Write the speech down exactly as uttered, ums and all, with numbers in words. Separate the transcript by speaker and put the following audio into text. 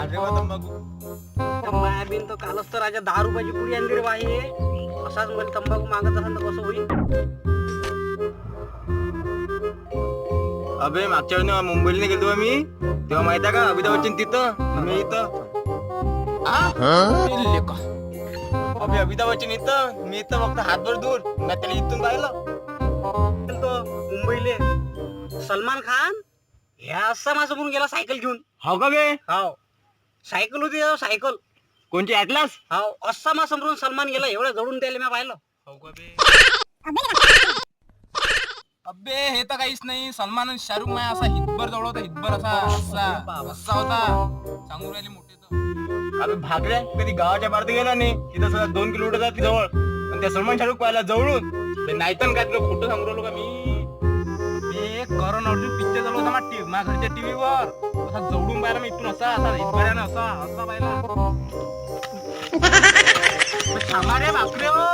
Speaker 1: भागरे वा तंबाखू.
Speaker 2: मायाबीन तर कालच तर राजा दहा रुपयाची पुडी आणली रे बाई. असाच मला तंबाखू मागत असेल तर कसं होईल.
Speaker 1: अबे मागच्या वेळी मुंबईला गेलो मी तेव्हा माहित आहे का अमिताभ बच्चन तिथं मी इथं. अबे अमिताभ बच्चन इथं मी इथं फक्त हातभर दूर मी त्याला इथून पाहिलं.
Speaker 2: तो मुंबईले सलमान खान ह्या असा माझ्यासमोरून गेला सायकल घेऊन.
Speaker 1: हो का बे.
Speaker 2: हाव सायकल होती त्यावर, सायकल.
Speaker 1: कोणची ऍटलास.
Speaker 2: हाव असा माझ्यासमोरून सलमान गेला एवढं जवळून त्याला मी पाहिलं.
Speaker 1: हो का बे. अबे हे तर काहीच नाही. सलमान आणि शाहरुख माया असा हितभर जवळ होता. हितभर असा असा असा होता. सांगून राहिली मोठे तर. अबे भागऱ्या कधी गावाच्या बाहेर गेला नाही. तिथं सगळं दोन किलोमीटर जाते जवळ आणि त्या सलमान शाहरुख पाहिला जवळून. नाही तर काय तुला कुठं सांगू राहिलो का मी. मी करण अर्जुन पिक्चर चालू होता माझ्या माझ्या घरच्या टीव्हीवर. असा जवळून पाहिला मी इथून असा असा हितभऱ्यानं असा असा पाहिला. थांबा रे बापरे.